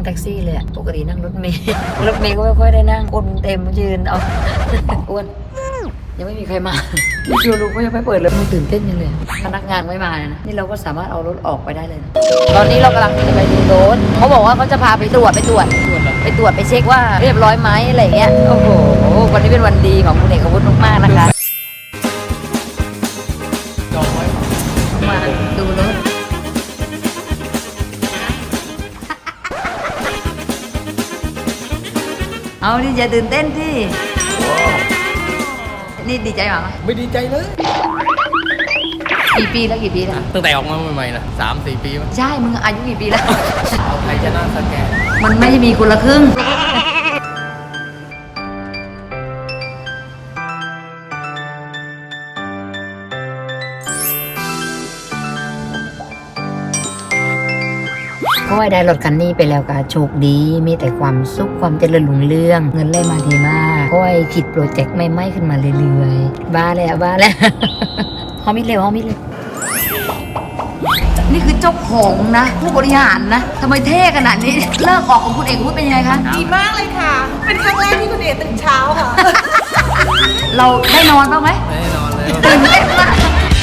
แท็กซี่เลยอะปกตินั่งรถเมล์รถเมล์ก็ไม่ค่อยได้นั่งคนเต็มยืนเอาอ้วนยังไม่มีใครมานี่ชูรูก็ยังไม่เปิดเลยมันตื่นเต้นยังเลยพนักงานไม่มาเลยนะนี่เราก็สามารถเอารถออกไปได้เลยนะตอนนี้เรากำลังจะไปดูรถเขาบอกว่าเขาจะพาไปตรวจไปเช็คว่าเรียบร้อยไหมอะไรเงี้ยโอ้โหวันนี้เป็นวันดีของคุณเอกวุฒิมากๆนะคะมาดูรถเอาดิอย่าตื่นเต้นที่นี่ดีใจมั้ยไม่ดีใจเลยกี่ปีแล้วตั้งแต่ออกมาใหม่ๆนะ3-4 ปีมั้งใช่มึงอายุกี่ปีแล้วเอาไทยชนะสแกนมันไม่มีคนละครึ่งก็ได้รถคันนี้ไปแล้วก็โชคดีมีแต่ความสุขความเจริญรุ่งเรืองเงินไหลมาดีมากก็คิดโปรเจกต์ใหม่ๆขึ้นมาเรื่อยๆบ้าแล้วฮอมิดเร็วนี่คือเจ้าของนะผู้บริหารนะทำไมเท่ขนาดนี้เลิกออกของคุณเอกวุฒิเป็นยังไงคะดีมากเลยค่ะเป็นครั้งแรกที่คุณเอกตื่นเช้าค่ะเราได้นอนบ้างไหมไม่ได้นอนเลยตื่นเต้นมาก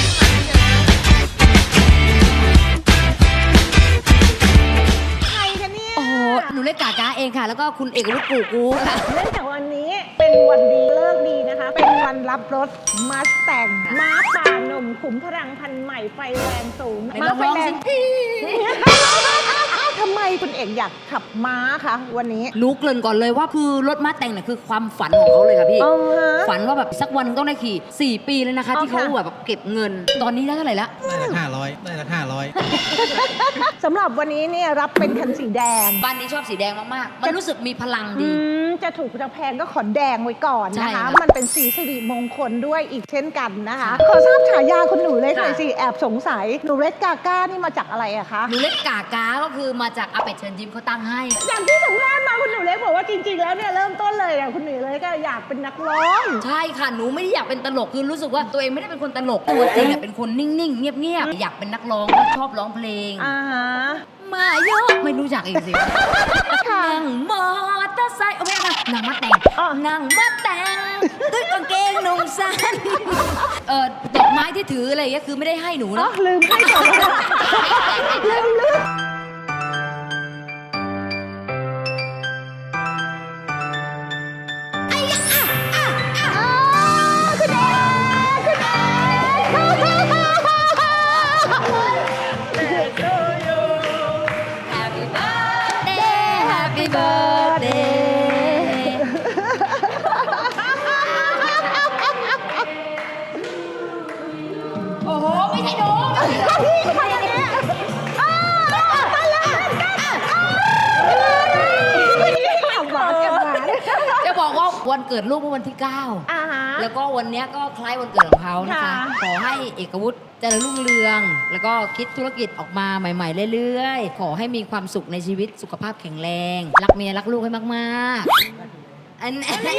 หนูเล่นกากาเองค่ะแล้วก็คุณเอกวุฒิกูค่ะเนื่องจากวันนี้เป็นวันดีเลิกดีนะคะเป็นวันรับรถมัสแตงม้าป่าหนุ่มขุมพลังพันธุ์ใหม่ไฟแรงสูงม้าไฟแรงทำไมคุณเอกอยากขับม้าคะวันนี้รู้เกริ่นก่อนเลยว่าคือรถม้าแต่งเนี่ยคือความฝันของเขาเลยค่ะพี่ฝันว่าแบบสักวันต้องได้ขี่4 ปีเลยนะคะที่เขาแบบเก็บเงินตอนนี้ได้เท่าไหร่ละได้ละ500 สำหรับวันนี้เนี่ยรับเป็นคันสีแดงบ้านนี้ชอบสีแดงมากๆมันรู้สึกมีพลังดีจะถูกจะแพงก็ขอแดงไว้ก่อนนะคะมันเป็นสีสิริมงคลด้วยอีกเช่นกันนะคะขอทราบฉายาคุณหนูเล็กหน่อยสิแอบสงสัยหนูเล็กกาก้านี่มาจากอะไรอะคะหนูเล็กกากาก็คือมาจากอาเป็ดเชิญยิ้มเขาตั้งให้อย่างที่สัมภาษณ์มาคุณหนูเล็กบอกว่าจริงๆแล้วเนี่ยเริ่มต้นเลยอะคุณหนูเล็กก็อยากเป็นนักร้องใช่ค่ะหนูไม่ได้อยากเป็นตลกคือรู้สึกว่าตัวเองไม่ได้เป็นคนตลกตัวจริงเนี่ยเป็นคนนิ่งๆเงียบๆอยากเป็นนักร้องชอบร้องเพลงมาเยอะไม่รู้จักอีกสินั่งมอเตอร์ไซค์ไม่ค่ะนั่งมาแต่งด้วยกางเกงนุ่งสั้นดอกไม้ที่ถืออะไรเงี้ยคือไม่ได้ให้หนูนะลืมให้ก่อนลืมโอ้โหไม่ใช่หนูจะบอกว่าวันเกิดลูกเมื่อวันที่9แล้วก็วันนี้ก็คล้ายวันเกิดของเขานะคะขอให้เอกวุฒิเจริญรุ่งเรืองแล้วก็คิดธุรกิจออกมาใหม่ๆเรื่อยๆขอให้มีความสุขในชีวิตสุขภาพแข็งแรงรักเมียรักลูกให้มากๆอัน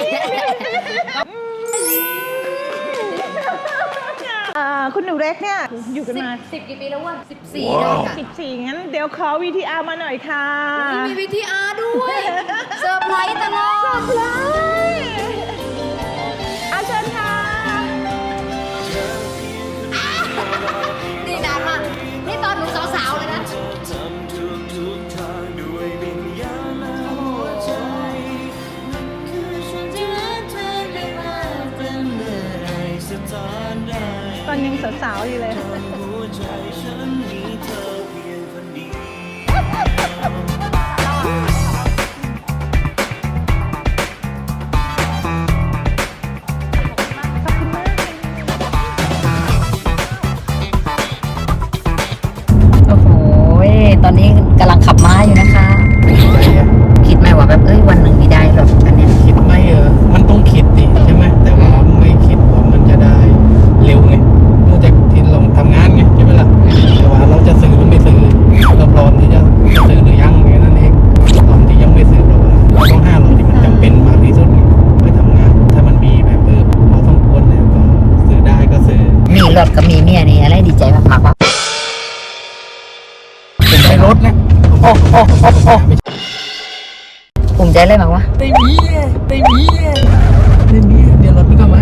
คุณหนูเล็กเนี่ยอยู่กันมา 10 กี่ปีแล้ววะ14แล้วค่ะ 14งั้นเดี๋ยวขอ VTR มาหน่อยค่ะมี VTR ด้วยเซอร์ไพรส์ตลอดเชิญค่ะนี่นานมากนี่ตอนหนูสาวๆเลยนะตอนยังสาวๆอยู่เลยโอ้โหตอนนี้กำลังขับม้าอยู่นะคะคิดไหมว่าแบบวันหนึ่งมีได้หรอกอันนี้คิดไม่มันต้องคิดดิใช่ไหมแต่ว่าไม่คิดว่ามันจะได้เร็วไงเนื่องจากที่เราทำงานไงใช่ไหมล่ะแต่ว่าเราจะซื้อหรือไม่ซื้อเราพร้อมที่จะซื้อหรือยังแค่นั้นเองตอนที่ยังไม่ซื้อเราต้องห้าเราที่มันจำเป็นมากที่สุดไปทำงานถ้ามันมีแบบพอสมควรแล้วก็ซื้อได้ก็ซื้อมีรถกับมีเมียนี่อะไรดีใจมากๆวะเป็นในรถนะโอ้ใจอะไรบ้างวะไม่มีเดี๋ยวรถมันก็มา